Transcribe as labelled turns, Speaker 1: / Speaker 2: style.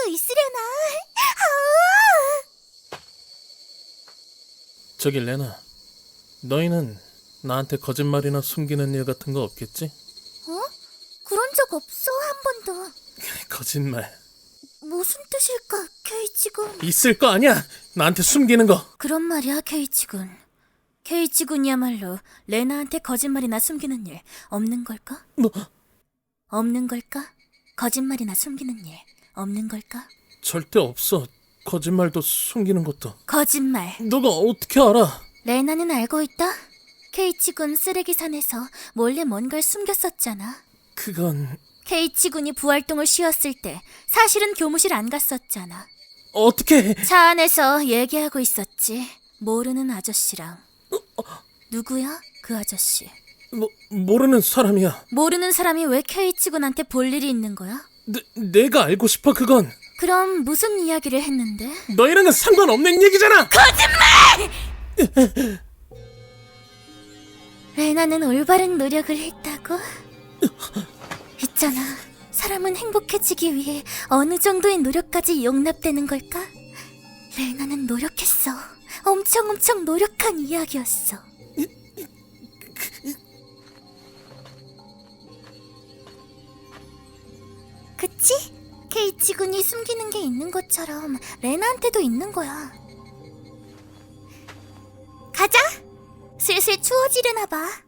Speaker 1: 있으려나?
Speaker 2: 저기 레나, 너희는 나한테 거짓말이나 숨기는 일 같은 거 없겠지?
Speaker 1: 어? 그런 적 없어, 한 번도.
Speaker 2: 거짓말
Speaker 1: 무슨 뜻일까, 케이치군?
Speaker 2: 있을 거 아니야! 나한테 숨기는 거!
Speaker 1: 그런 말이야, 케이치군. 케이치군이야말로 레나한테 거짓말이나 숨기는 일 없는 걸까?
Speaker 2: 뭐?
Speaker 1: 없는 걸까? 거짓말이나 숨기는 일 없는 걸까?
Speaker 2: 절대 없어. 거짓말도 숨기는 것도.
Speaker 1: 거짓말.
Speaker 2: 너가 어떻게 알아?
Speaker 1: 레나는 알고 있다. 케이치군 쓰레기산에서 몰래 뭔가를 숨겼었잖아.
Speaker 2: 그건...
Speaker 1: 케이치군이 부활동을 쉬었을 때 사실은 교무실 안 갔었잖아.
Speaker 2: 어떻게...
Speaker 1: 차 안에서 얘기하고 있었지. 모르는 아저씨랑. 누구야? 그 아저씨.
Speaker 2: 모르는 사람이야.
Speaker 1: 모르는 사람이 왜 케이치군한테 볼 일이 있는 거야?
Speaker 2: 내가 알고 싶어, 그건.
Speaker 1: 그럼 무슨 이야기를 했는데?
Speaker 2: 너희랑은 상관없는 얘기잖아!
Speaker 1: 거짓말! 레나는 올바른 노력을 했다고? 있잖아, 사람은 행복해지기 위해 어느 정도의 노력까지 용납되는 걸까? 레나는 노력했어. 엄청 노력한 이야기였어. 그치? 케이치군이 숨기는 게 있는 것처럼 레나한테도 있는 거야. 가자! 슬슬 추워지려나 봐.